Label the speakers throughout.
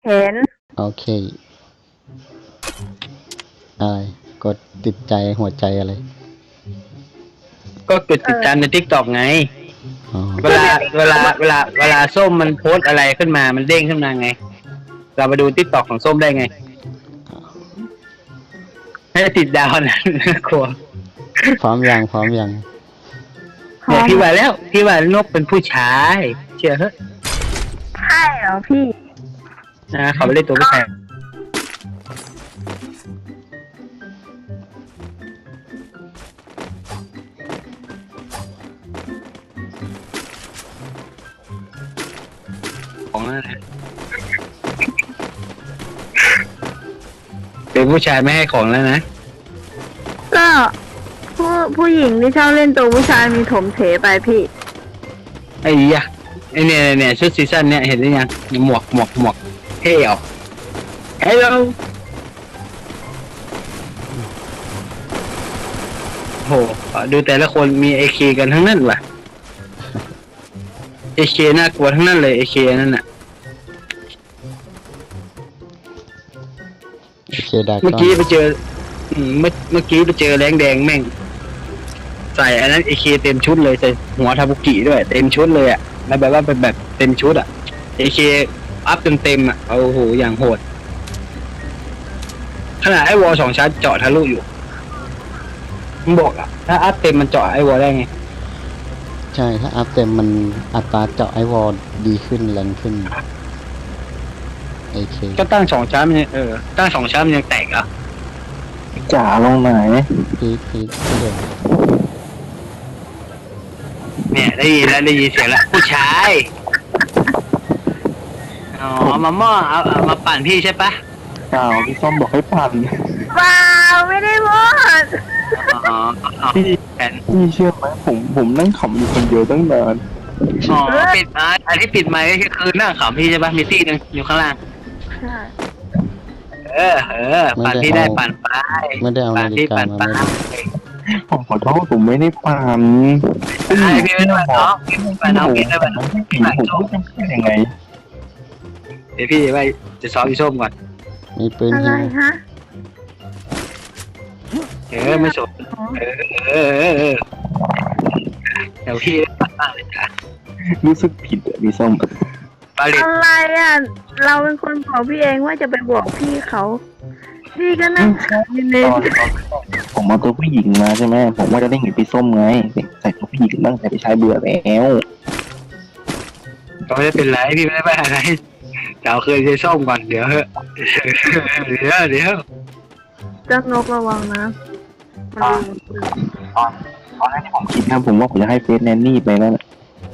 Speaker 1: เห็น
Speaker 2: โอเคอะไรกดติดใจหัวใจอะไร
Speaker 3: ก็กดติดตามในทิกตอกไง
Speaker 2: อ๋อ
Speaker 3: เวลาส้มมันโพสอะไรขึ้นมามันเด้งขึ้นมาไง เราไปดูทิกตอกของส้มได้ไงให้ติดดาวนะกลัว
Speaker 2: พร้อมยัง
Speaker 3: เนี่ยพี่ว่านกเป็นผู้ชายเชื่อเหรอ
Speaker 1: ใช่เหรอพี่
Speaker 3: นะเขาไม่เล่นตัวผู้ชายของอะไรเป็นผู้ชายไม่ให้ของแล้วนะ
Speaker 1: ก็ผู้หญิงที่ชอบเล่นตัวผู้ชายมีถมเถไปพี่
Speaker 3: ไอ้ยะไอ้เนี่ยชุดซีซั่นเนี่ยเห็นหรือยังหมวกเท่ออกเฮ้ยเราโหดูแต่ละคนมี AK กันทั้งนั้นว่ะ AK น่ากลัวทั้งนั้นเลย AK นั่นน่ะ
Speaker 2: โอเคได้
Speaker 3: เมื่อกี้ไปเจอเมื่อกี้ไปเจอแรงแดงแม่งใส่อันนั้น AK เต็มชุดเลยใส่หัวทาบุกิด้วยเต็มชุดเลยอ่ะแล้วแบบว่าเป็นแบบเต็มชุดอ่ะ AK อัพเต็มอ่ะโอ้โหอย่างโหดขนาดไอ้วอล2 ชั้นเจาะทะลุอยู่มันบอกอ่ะถ้าอัพเต็มมันเจาะไอ้วอลได้ไง
Speaker 2: ใช่ถ้าอัพเต็มมันอัตราเจาะไอวอลดีขึ้นแรงขึ้นโอเค
Speaker 3: ก็ตั้ง2 ชั้นมันตั้ง2 ชั้นมันยังแตกอ่ะ
Speaker 4: จ๋าลงไหน
Speaker 2: พีเดี๋ยว
Speaker 3: เนี่ยได้ยินเสียงแล้วผู้ชายอ๋อมาม่อเอามาปั่นพี่ใช่ปะ
Speaker 4: พี่ส้มบอกให้ปั่น
Speaker 1: ว้าวไม่ได้พูด
Speaker 4: พี่เชื่อไหมผมนั่งขำอยู่คนเดียวตั้งนาน
Speaker 3: อ๋อปิดอันที่ปิดไมค์ก็คือนั่งขำพี่ใช่ปะมีตี้นึงอยู่ข้างล่างปั่นพี่ได้ปั่นไป
Speaker 2: ไม่ได้เอานาฬิกามา
Speaker 4: ผมขอโทษผมไม่ได้ปั่น
Speaker 3: พี่ไม่ได้ปั่นน้องพี่ได้ปั่น
Speaker 4: ผมยังไง
Speaker 3: เดี๋ยวพี่ไปจะซ้อมพี่ส้มก่อน
Speaker 2: มีปืน
Speaker 1: อะไรฮะ
Speaker 3: ไม่สนเดี๋ยวพี่ปั่นเลยจ้ะ
Speaker 4: รู้สึกผิดพี่ส้ม
Speaker 1: อะไรอ่ะเราเป็นคนบอกพี่เองว่าจะไปบอกพี่เขาพี่ก็นั่งเล่น
Speaker 4: ผมเอาตัวผู้หญิงมาใช่ไหมผมว่าจะเล่นกับพี่ส้มไงใส่ตัวผู้หญิงบ้างแต่พี่ชายเบื่อแล้ว
Speaker 3: ก็ไม่ได้เป็นไรพี่ไม่ได้ไปอะไรเดี๋ยวเคยใช้ส้มก่อนเดี๋ยว
Speaker 1: เจ้านกระวังนะ
Speaker 4: ตอนนั้นที่ผมคิดนะผมว่าผมจะให้เฟสแนนนี่ไปแล้วแน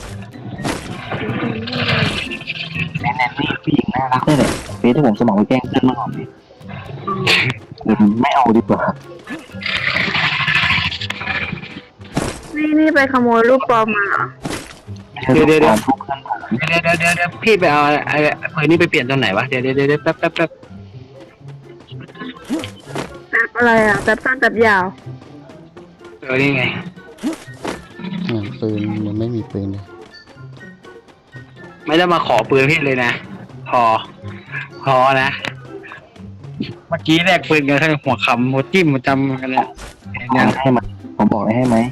Speaker 4: นนี่ผู้หญิงน่ารักเลยแหละเฟสที่ผมสมัครไปแกล้งเพื่อนเมื่อก่อนไม่เอาดีกว่า
Speaker 1: นี่ไปขโมยรูปปลอมมาเหรอ
Speaker 3: เดี๋ยวพี่ไปเอาไอ้ปืนนี่ไปเปลี่ยนตรงไหนวะเดี๋ยวแป๊บ
Speaker 1: อะไรอ่ะแป๊บสั้นแป๊บยาว
Speaker 3: นี่ไง
Speaker 2: ปืนยังไม่มีปืนเลย
Speaker 3: ไม่ได้มาขอปืนพี่เลยนะพอนะเมื่อกี้แลกปืนกันทั้งหัวขำหัวจิ้มหัวจำกันเลย
Speaker 4: ให้ไหมผมบอกให้ไหม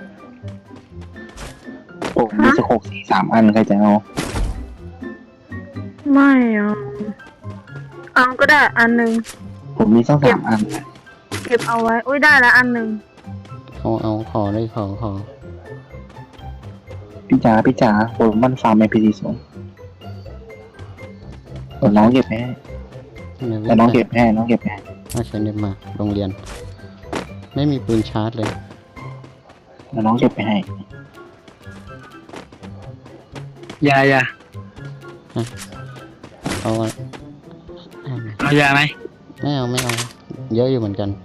Speaker 4: ผมมีสโคป3 อันใครจะเอา
Speaker 1: ไม่เอาก็ได้อันนึง
Speaker 4: ผมมีสัก3 อัน
Speaker 1: เก็บเอาไว้อุ้ยได้แล้วอันนึง
Speaker 2: เอาขอได้ขอ
Speaker 4: พี่จ๋าผมมันฟาร์มในพีซีสูงน้องเก็บให้แต่น้องเก็บให้
Speaker 2: มาใช้เน็ตมาโรงเรียนไม่มีปืนชาร์จเลย
Speaker 4: แล้วน้องเก็บไปให้
Speaker 3: ยาเอายาไหม
Speaker 2: ไม่เอาเยอะอยู่เหมือนกัน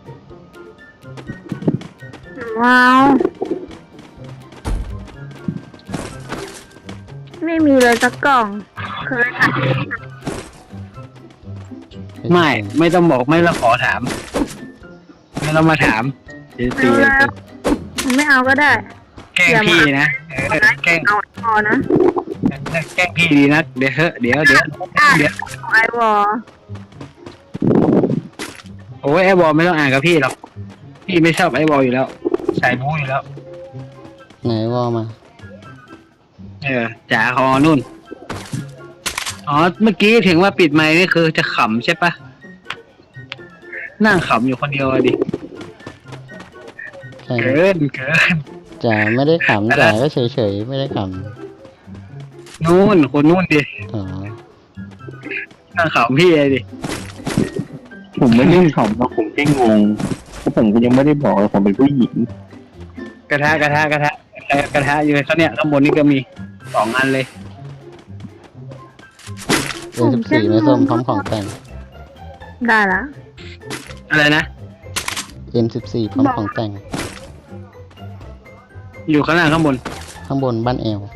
Speaker 1: ว้าวไม่มีเลยสักกล่องเคยค่ะ
Speaker 3: ไม่ต้องบอกไม่ต้องขอถามไม่ต้องมาถาม
Speaker 1: ไม่เอาก็ได้
Speaker 3: แกล้งพี่นะ
Speaker 1: แกล้งเอาพอนะ
Speaker 3: แกล้งพี่ดีนะเดี๋ยวเถอะเดี๋ยว
Speaker 1: ไอวอล
Speaker 3: โอ้ยไอ้บอลไม่ต้องอ่านกับพี่หรอกพี่ไม่ชอบไอ้บอลอยู่แล้วสายบู๊อยู่แล้ว
Speaker 2: ไหนวอมา
Speaker 3: จ๋าคอนุ่นอ๋อเมื่อกี้ถึงว่าปิดไมค์นี่คือจะขำใช่ปะนั่งขำอยู่คนเดียวอะดิ
Speaker 2: ใช่
Speaker 3: เกิน
Speaker 2: จ๋าไม่ได้ขำจ๋าก็เฉยๆไม่ได้ข
Speaker 3: นู่นคนนู่นดิ
Speaker 2: ำอ๋อ
Speaker 3: นั่งขำพี่เลยดิ
Speaker 4: ผมไม่ได้ขำนะผมแค่งงเพราะผมก็ยังไม่ได้บอกเลยผมเป็นผู้หญิง
Speaker 3: กระทะอยู่เขาเนี่ยข้างบนนี่ก็มี2 อันเลย
Speaker 2: 14ไม่ส้มพร้อมของแต่ง
Speaker 1: ได้ละ
Speaker 3: อะไรนะ
Speaker 2: M14 พร้อมของแต่ง
Speaker 3: อยู่ข้างล่างข้างบน
Speaker 2: ข้างบนบ้านแอล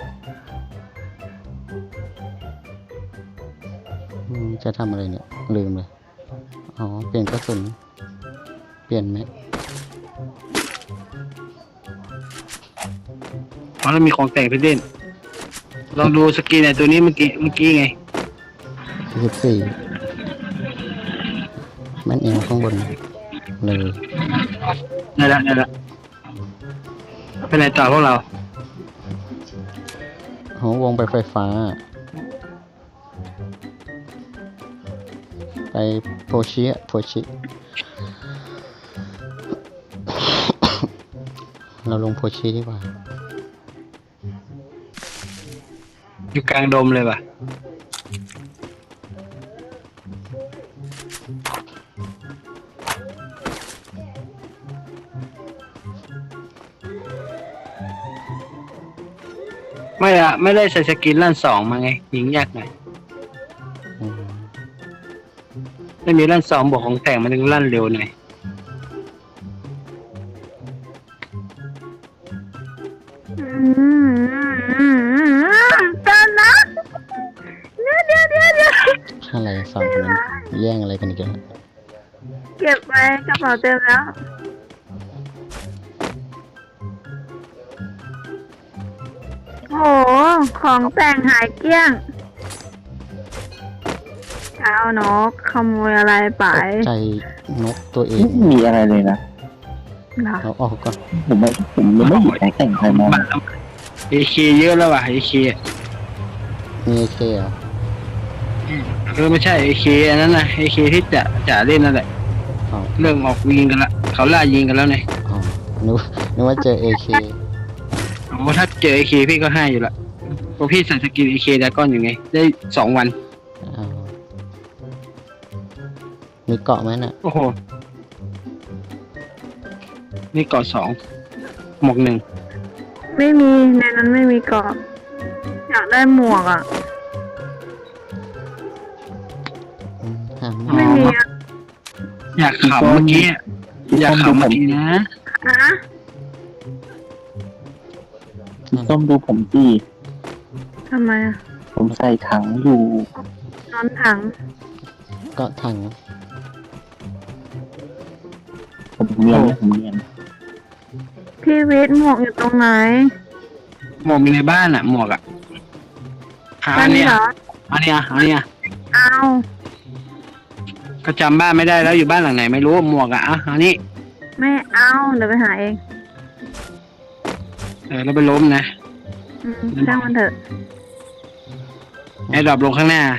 Speaker 2: จะทำอะไรเนี่ย ลืมเลย อ๋อ เปลี่ยนกระสุน เปลี่ยนไหม
Speaker 3: เพราะเรามีของแต่งพี่เด่นลองดูสกินไอ้ตัวนี้เมื่อกี้ไง
Speaker 2: 14บ้านแอลข้างบนเลย
Speaker 3: นั่นแหละเป็นไรต่อพวกเรา
Speaker 2: โหวงไปไฟฟ้า ไปโพชิเราลงโพชิดีกว่า
Speaker 3: อยู่กลางดมเลยป่ะไม่ได้ใส่สกินลั่น2มาไงยิงยากหน่อย
Speaker 2: อืม
Speaker 3: ไม่มีลั่น2บวกของแต่งมันถึงลั่นเร็วหน่อย
Speaker 1: กันนะเดี๋ยว
Speaker 2: อะไรสองคนนั้นแย่งอะไรกันอีกแล้ว
Speaker 1: เก็บไว้กระเป๋าเต็มแล้วโหของแต่งหายเกลี้ยงเช้านกขโมยอะไรไป
Speaker 2: ตกใจนกตัวเอง
Speaker 4: ไม่มีอะไรเลยนะ
Speaker 1: เหรอ
Speaker 2: เอาออกก่อน
Speaker 4: ผมยังไม่เห็นใครแต่งใครมา
Speaker 3: เอเคเยอะแล้วว่ะเอเค
Speaker 2: มีเอเคเหรอ
Speaker 3: ไม่ใช่เอเคอันนั้นนะเอเคที่จะเล่นนั่นแหละ
Speaker 2: อ๋อ
Speaker 3: เริ่มออกยิงกันละเขาล่ายิงกันแล้วไง
Speaker 2: อ๋อนึกว่าเจอเอเค
Speaker 3: โอ้ถ้าเจอเอเคพี่ก็ให้อยู่ละเพราะพี่ใส่สกินเอเคดาก้อนอยู่ไงได้2 วัน
Speaker 2: อ้าวมีเกาะไหมน่ะ
Speaker 3: โอ้โหนี่เกาะ2 หมวก 1
Speaker 1: ไม่มีในนั้นไม่มีกรอบอยากได้หมวกอ่ะ
Speaker 2: หา
Speaker 1: ไม่มีอ่ะ
Speaker 3: อยากขำเมื่อกี้อยากขำเมื่อกี้นะ
Speaker 1: ฮะ
Speaker 4: พี่ส้มดูผมสิ
Speaker 1: ทำไมอ่ะ
Speaker 4: ผมใส่ถังอยู่
Speaker 1: นอนถัง
Speaker 2: เกาะถัง
Speaker 4: ผมเนียนผมเนียน
Speaker 1: พี่วิทย์หมวกอยู่ตรงไหน
Speaker 3: หมวกมีในบ้านอ่ะหมวกอ่ะ
Speaker 1: บ้านนี้เหรอ
Speaker 3: อันเนี้ย
Speaker 1: เอา
Speaker 3: ก็จำบ้านไม่ได้แล้วอยู่บ้านหลังไหนไม่รู้หมวกอ่ะอันนี้
Speaker 1: ไม่เอาเดี๋ยวไปหาเอง
Speaker 3: แล้วไปล้มนะ
Speaker 1: ช่างมันเถอะ
Speaker 3: ไอ้ดรอปลงข้างหน้า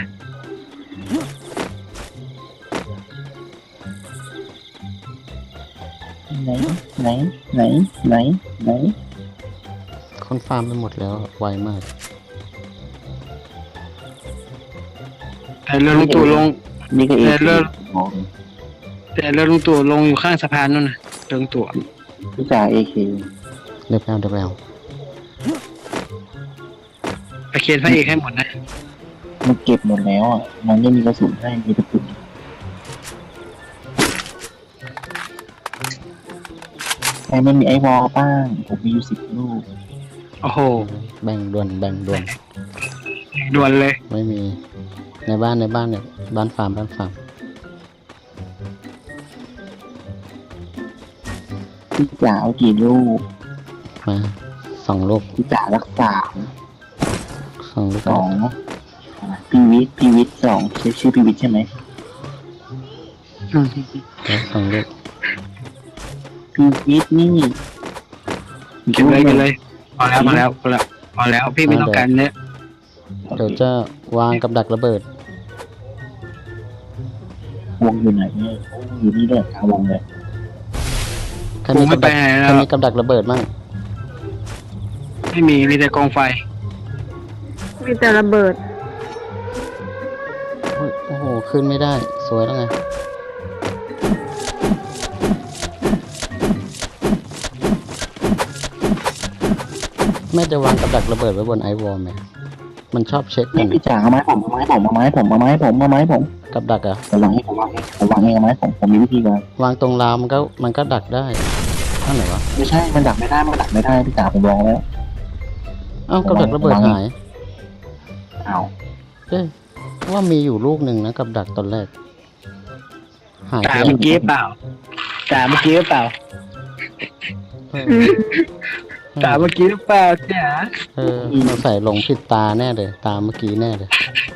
Speaker 4: ไหน
Speaker 2: คนฟาร์มไปหมดแล้วไวมาก
Speaker 3: แต่เรือลุงตู่ลง
Speaker 4: นี่ก็เอ
Speaker 3: แต่
Speaker 4: ง
Speaker 3: เรือ
Speaker 4: บอก
Speaker 3: แต่เรือลุงตู่ลงอยู่ข้างสะพานนู่นน่ะเรือลุงตู่
Speaker 4: พี่จ่าเอเค
Speaker 2: เดี๋ยวไปเอา
Speaker 3: ไปเคนพระเอกให้หมดนะ
Speaker 4: มันเก็บหมดแล้วอ่ะมันไม่มีกระสุนให้มีกระสุนใครไม่มีไอวอลบ้างผมมีอยู่10 ลูก
Speaker 3: โอ้โห
Speaker 2: แบ่งด่วน
Speaker 3: ด่วนเลย
Speaker 2: ไม่มี ในบ้านเนี่ยบ้านฟาร์ม
Speaker 4: พี่จ๋าเอากี่ลูก
Speaker 2: มา2 ลูก
Speaker 4: พี่จ๋ารักษา
Speaker 2: 2 ลูก
Speaker 4: สองพีวิทสองชื่อพีวิทใช่ไหม
Speaker 2: 2 ลูก
Speaker 4: พีวิทนี่
Speaker 3: เก็บเลยพอแล้วพี่ไม่ต้องการเนี้ย
Speaker 2: เดี๋ยวจะวางกับดักระเบิด
Speaker 4: วงอยู่ไหนเนี่ยอยู่นี่ด้วยกลางวงเลย
Speaker 2: ใครมีกับดักใครมีกับดักระเบิดมั่ง
Speaker 3: ไม่มีแต่กองไฟ
Speaker 1: มีแต่ระเบิด
Speaker 2: โอ้โหขึ้นไม่ได้สวยแล้วไงแม่จะวางกับดักระเบิดไว้บนไอวอลไหมมันชอบเช็คกั
Speaker 4: นี่
Speaker 2: น
Speaker 4: พี่จ๋าเอาไม้ผม
Speaker 2: กับดักอะ
Speaker 4: ผมวางให้เอาไม้ผมมีวิธีการ
Speaker 2: วางตรงราวมันก็ดักได้ท่าไหนวะ
Speaker 4: ไม่ใช่มันดักไม่ได้พี่จ๋าผมลองแล้ว
Speaker 2: เอ้ากับดักระเบิดหาย
Speaker 4: อ้าว
Speaker 2: เอ้ยว่ามีอยู่ลูกหนึ่งนะกับดักตอนแรกหาย
Speaker 3: จ่า
Speaker 2: ไป
Speaker 3: เมื่อกี้เปล่า
Speaker 2: เออ
Speaker 3: จ่าเมื่อกี้หรือเปล่าจ๋า
Speaker 2: เราใส่ลงผิดตาแน่เลยตาเมื่อกี้แน่เลย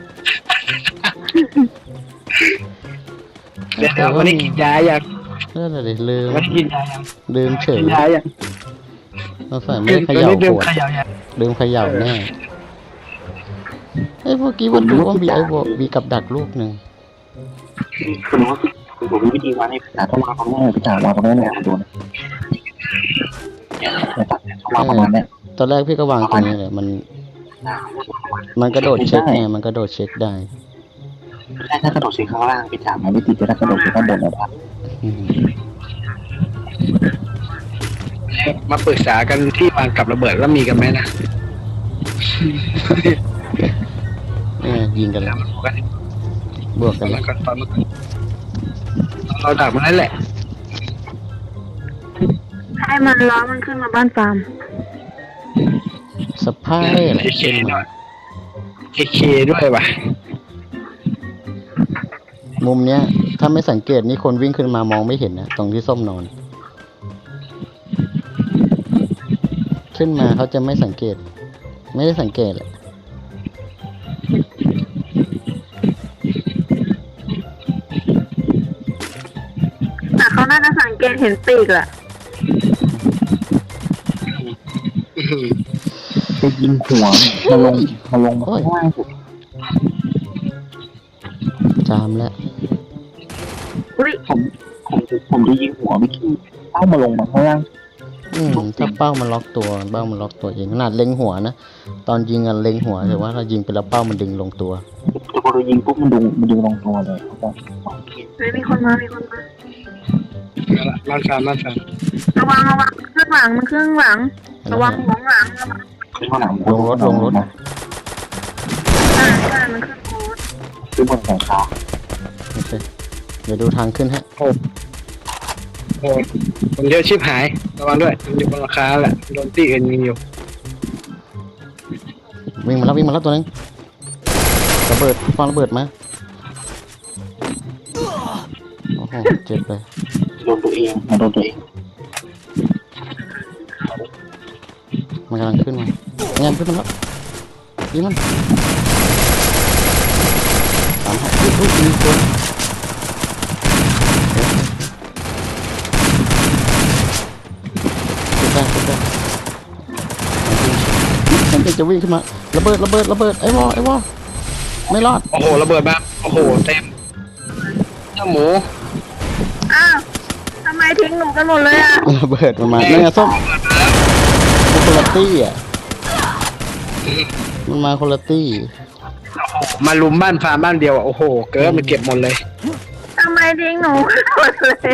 Speaker 3: เดี๋ยววันนี้กินยาอย่าง
Speaker 2: เลยลืม
Speaker 3: วันนี้กินยาอย่าง
Speaker 2: ลืมเฉย
Speaker 3: กินยาอย่าง
Speaker 2: เราใส่ไม่ได้เขย่า
Speaker 3: ดื่
Speaker 2: ข
Speaker 3: ม
Speaker 2: วด
Speaker 3: ขยาวอย่าง
Speaker 2: ลืมเขย่าแน่เอ้ยเมื่อกี้วันดูว่ามีไอวอลมีกับดักลูกหนึ่ง
Speaker 4: ผมมีวิธีวางให้พี่จ๋าต้องวางตรงนี้พี่จ๋าวางตรงนี้เนี่ยดูนะวางประมาณนี้
Speaker 2: ตอนแรกพี่ก็วางตรงนี้เลยมันกระโดดเช็คไงมันกระโดดเช็คได้
Speaker 4: ถ้ากระโดดเช็คข้างล่างพี่จ๋ามันไม่ติดแต่ถ้ากระโดดเช็คข้างบนนะครับ
Speaker 2: อืม
Speaker 3: มาปรึกษากันที่วางกับระเบิดแล้วมีกันไหมนะ
Speaker 2: ยิงกันแล้วบวกกันแล้ว
Speaker 3: ตอนเราดักมันนั่นแหละ
Speaker 1: ให้มันล้อมันขึ้นมาบ้านฟาร์ม
Speaker 2: สภาพเลยเหรอ
Speaker 3: เอเคด้วยเอเคด้วยว่ะ
Speaker 2: มุมเนี้ย ถ้าไม่สังเกตนี่คนวิ่งขึ้นมามองไม่เห็นนะตรงที่ส้มนอน ขึ้นมาเขาจะไม่สังเกต ไม่ได้สังเกตแหละ
Speaker 1: แต่เขาน่าจะสังเกตเห็นปีกแหละ
Speaker 4: จะยิงหัวมาลงข้างล่างสุด
Speaker 2: จามแล้ว
Speaker 1: อุ้ย
Speaker 4: ผมจะยิงหัวไม่ขี้เป้ามาลงมาข้างล่าง
Speaker 2: ถ้าเป้ามันล็อกตัวเองขนาดเล็งหัวนะตอนยิงเล็งหัวแต่ว่าถ้ายิงไปแล้วเป้ามันดึงลงตัว
Speaker 4: แต่พอเรายิงปุ๊บมันดึงลงตัวเลยเขาบอก
Speaker 1: เฮ้ยมีคนมา
Speaker 3: บ้านฟาร์ม
Speaker 1: ระวังเครื่องหลังมันเครื่องหลัง ระวังหัวหลัง
Speaker 4: ขึ้นข้างหลัง
Speaker 2: ลงรถ
Speaker 1: ใช่มันเครื่องรถ
Speaker 4: ขึ้นบนหลังคา
Speaker 2: โอเคเดี๋ยวดูทางขึ้นฮะ
Speaker 3: โอ้คนเยอะชิบหายระวังด้วยมันอยู่บนราคาแหละโดนตีอื่นยิงอยู่
Speaker 2: วิ่งมาแล้วตัวนึงระเบิดฟังระเบิดมาโอ้โหเจ็บเลย
Speaker 4: โดนตัวเอง
Speaker 2: มันกำลังขึ้นมาขึ้นมาแล้วยิงมันตามให้มีคนขึ้นได้ฉันจะวิ่งขึ้นมาระเบิดไอ้วอไม่รอด
Speaker 3: โอ้โหระเบิดมาโอ้โหเต็มเจ้าหมู
Speaker 1: อ้าวทำไมทิ้งหนูกันหมดเลยอ่ะ
Speaker 2: ระเบิดมาเนี่ยส้มมันคนละตี้อ่ะมันมาคนละตี้
Speaker 3: มาลุมบ้านฟาร์มบ้านเดียวโอ้โหเกิร์มันเก็บหมดเลย
Speaker 1: ทำไมทิ้งหนูกันหมดเลย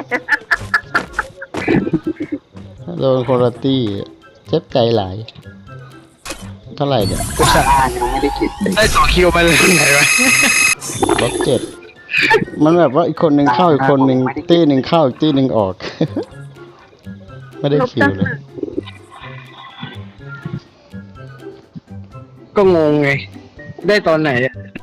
Speaker 2: โดนคนละตี้เจ็บใจหลายเท่าไหร่เนี่ย
Speaker 3: กูสั่ง
Speaker 4: ยังไม่ได้เก็บเลย
Speaker 3: ได้2 คิวมาเลยไหนวะ
Speaker 2: ลบ7มันแบบว่าอีกคนหนึ่งเข้าอีกคนหนึ่งตี้หนึ่งเข้าอีกตี้หนึ่งออก ไม่ได้คิวเลย
Speaker 3: ก็งงไงได้ตอนไหน